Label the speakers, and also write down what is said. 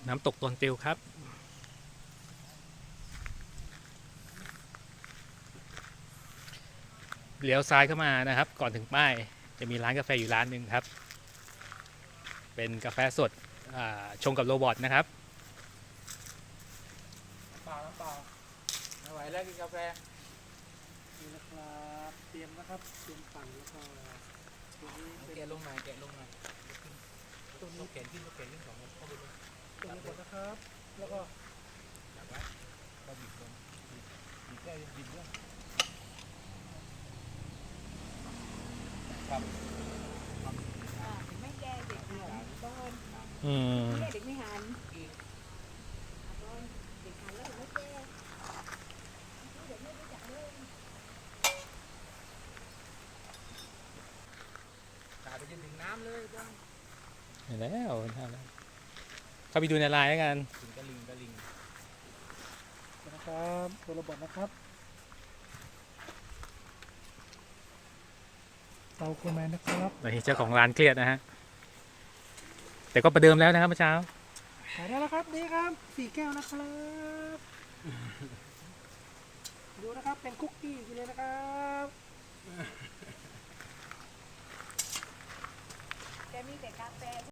Speaker 1: น้ำตกตนติวครับเลี้ยวซ้ายเข้ามานะครับ ก่อนถึงป้ายจะมีร้านกาแฟอยู่ร้านหนึ่งครับเป็นกาแฟสดชงกับโรบอทนะครับ
Speaker 2: น้ำเปล่าไม่ไหวแล้วกินกาแฟนี่นะครับเตรียมนะครับเตรียมปั่นแล้วก็ตัวนี้แกะลงหน่อยตัวนี้แขนขึ้นสองคนเข้าไปเลยตัวนี้ก่อนนะครับแล้วก็จับไว้ก็บีบลงบีบได้บีบด้วยครับ
Speaker 3: ไม่แก้เด็กหันต้น
Speaker 1: อืม
Speaker 3: เด็กไม่หันต้นเด็กหันแล้วไม่แก้เด็กไม่รู้จักเลย
Speaker 2: ตาไปจนถึงน้ำเลยจ้า
Speaker 1: เห็นแล้วเข้าไปดูในไลน์แล้วกัน
Speaker 2: ถึงกระลิงนะครับตัวระเบิดนะครับเตาโคแมนนะครับ
Speaker 1: ตอนนี้เจ้าของร้านเครียดนะฮะแต่ก็ประเดิมแล้วนะครับเมื่อเช้า
Speaker 2: ขายได้แล้วครับนี่ครับ4 แก้วนะครับดูนะครับเป็นคุกกี้กินเลยนะครับ
Speaker 3: แต่มีแต่กาแฟ